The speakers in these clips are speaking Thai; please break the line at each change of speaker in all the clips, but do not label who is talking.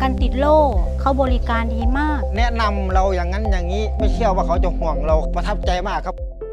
กันติดโล่เขาบริการดีมาก
แนะนำเราอย่างนั้นอย่างนี้ไม่เชื่อว่าเขาจะห่วงเราประทับใจมากครับ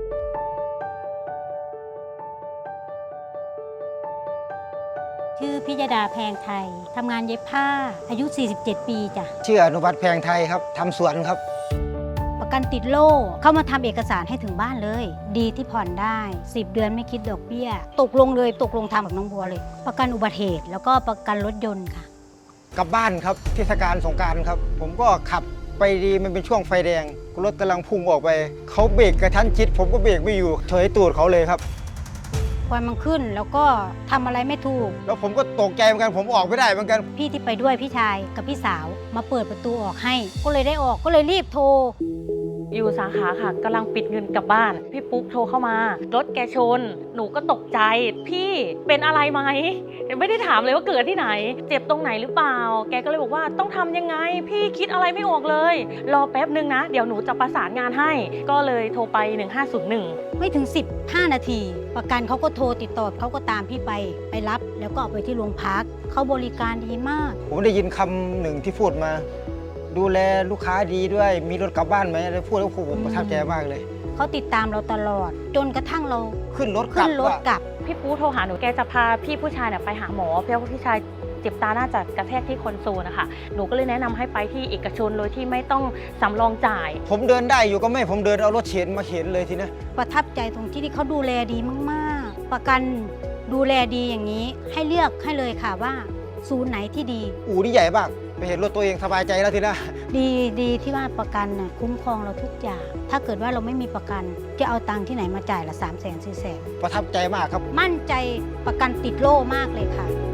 ชื่อพิยดาแพงไทยทำงานเย็บผ้าอายุ 47 ปีจ้ะ
ชื่ออนุวัฒน์แพงไทยครับทำสวนครับ
ประกันติดโล่เข้ามาทำเอกสารให้ถึงบ้านเลย ดีที่ผ่อนได้ 10 เดือนไม่คิดดอกเบี้ย ตกลงเลยตกลงทำกับน้องบัวเลย ประกันอุบัติเหตุแล้วก็ประกันรถยนต์ค่ะ
กลับบ้านครับเทศกาลสงกรานต์ครับ ผมก็ขับไปดีมันเป็นช่วงไฟแดงรถกำลังพุ่งออกไปเขาเบรกกระทันชิดผมก็เบรกไม่อยู่เฉยตูดเขาเลยครับ
ควันมันขึ้นแล้วก็ทำอะไรไม่ถูก
แล้วผมก็ตกใจเหมือนกันผมออกไม่ได้เหมือนกัน
พี่ที่ไปด้วยพี่ชายกับพี่สาวมาเปิดประตูออกให้ ก็เลยได้ออกก็เลยรีบโทร
อยู่สาขาค่ะกำลังปิดเงินกลับบ้าน พี่ปุ๊กโทรเข้ามารถแกชน หนูก็ตกใจ พี่เป็นอะไรไหมไม่ได้ถามเลยว่าเกิดที่ไหน เจ็บตรงไหนหรือเปล่า แกก็เลยบอกว่าต้องทำยังไง พี่คิดอะไรไม่ออกเลย รอแป๊บนึงนะ เดี๋ยวหนูจะประสานงานให้ ก็เลยโทรไป 1501
ไม่ถึง 15 นาที ประกันเขาก็โทรติดต่อเขาก็ตามพี่ไปรับ แล้วก็เอาไปที่โรงพักเขาบริการดีมาก
ผมได้ยินคำหนึ่งที่พูดมา ดูแลลูกค้าดีด้วยมีรถกลับบ้านไหมอะไรพูดแล้วผมประทับใจมากเลย
เขาติดตามเราตลอด จนกระทั่งเรา
ขึ้นรถกลั
ขึ้
บ
นรถ
ว่ะ
กลับ
พี่ปุ๊กโทรหาหนูแกจะพาพี่ผู้ชายไปหาหมอเพราะว่าพี่ชายเจ็บตาน่าจะกระแทกที่คอนโซลนะคะหนูก็เลยแนะนำให้ไปที่เอกชนโดยที่ไม่ต้องสำรองจ่าย
ผมเดินได้อยู่ก็ไม่ผมเดินเอารถเข็นมาเข็นเลยทีนะ
ประทับใจตรงที่เขาดูแลดีมากๆ ประกันดูแลดีอย่างนี้ ให้เลือกให้เลยค่ะว่า ศูนย์ไหนที่ดี
อู่นี่ใหญ่มากไปเห็นรถตัวเองสบายใจแล้วทีนะ
ดีที่ว่าประกันน่ะคุ้มครองเราทุกอย่าง ถ้าเกิดว่าเราไม่มีประกัน จะเอาตังค์ที่ไหนมาจ่ายละ300,000 400,000
ประทับใจมากครับ
มั่นใจประกันติดโล่มากเลยค่ะ